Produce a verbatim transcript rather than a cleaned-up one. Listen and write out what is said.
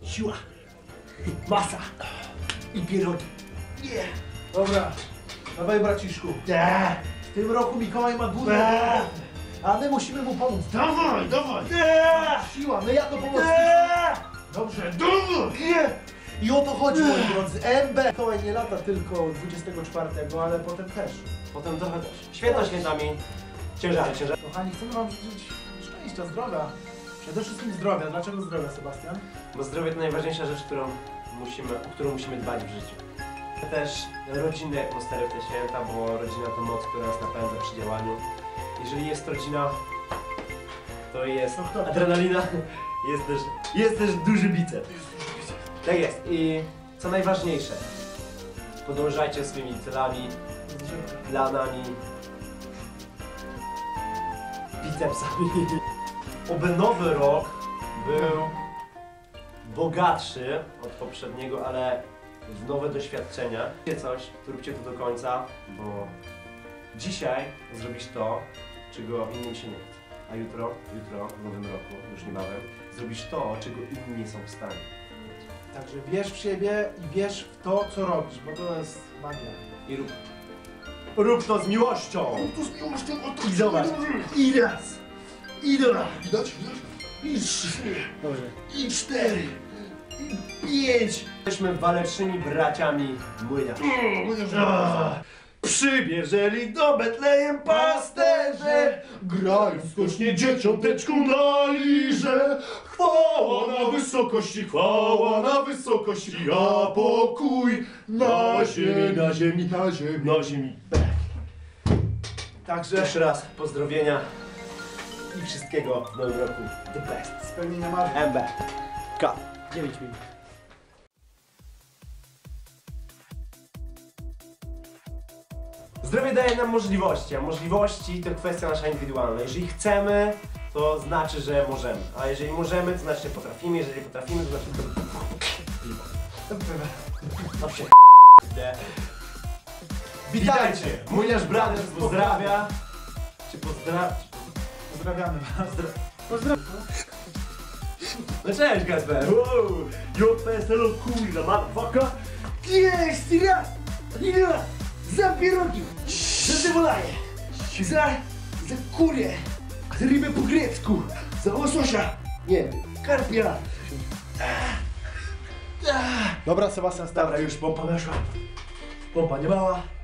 siła, masa i pierogi. Nie. Dobra, dawaj braciszku. Nie. W tym roku Mikołaj ma górę, Nie. a my musimy mu pomóc. Dawaj, dawaj. Nie. Siła, my jako pomoc. Nie. Dobrze. Dawaj. Nie. I o to chodzi, moi drodzy. M B. Mikołaj nie lata tylko dwudziestego czwartego, ale potem też. Potem trochę też. Święta świętami. Ciężary, ciężary. Kochani, chcemy wam życzyć szczęścia, zdrowia. Przede wszystkim zdrowia. Dlaczego zdrowia, Sebastian? Bo zdrowie to najważniejsza rzecz, którą musimy, o którą musimy dbać w życiu. Też rodzinne atmosfery w te święta, bo rodzina to moc, która nas napędza przy działaniu. Jeżeli jest rodzina, to jest adrenalina, jest też, jest też duży biceps. Tak jest. I co najważniejsze, podążajcie swoimi celami, planami, bicepsami. Oby nowy rok był bogatszy od poprzedniego, ale w nowe doświadczenia. Róbcie coś, to róbcie to do końca, bo dzisiaj zrobisz to, czego innym się nie chce. A jutro, jutro, w nowym roku, już niebawem, zrobisz to, czego inni nie są w stanie. Także wierz w siebie i wierz w to, co robisz, bo to jest magia. I rób. Rób to z miłością! Tu z miłością o to. I zobacz. I raz. I dwa. Widać? Widać? I trzy. Dobrze. I cztery. I pięć. Jesteśmy walecznymi braciami młyniarzy. Przybierzeli do Betlejem pasterze, grając skocznie dzieciąteczku na lirze. Chwała na wysokości, chwała na wysokości, a pokój na ziemi, na ziemi, na ziemi, na ziemi. Także Jeszcze raz pozdrowienia i wszystkiego w nowym roku. The best. spełnienia marzeń. M B K. dziewięć minut. Zdrowie daje nam możliwości, a możliwości to kwestia nasza indywidualna. Jeżeli chcemy, to znaczy, że możemy. A jeżeli możemy, to znaczy, że potrafimy. Jeżeli potrafimy, to znaczy, że... Dobrze. Witajcie! Młyniarz Brothers pozdrawia. Czy pozdrawia? Pozdrawiamy was. Pozdrawiam. No cześć, Kasper! Wow! Yo, peselo kurwa, motherfucker! Jest raz, raz, za pierogi, za cebulaję, za, za kurię, za rybę po grecku, za łososia, nie wiem, karpia. Dobra, Sebastian, start. Dobra, już pompa weszła. Pompa nie mała.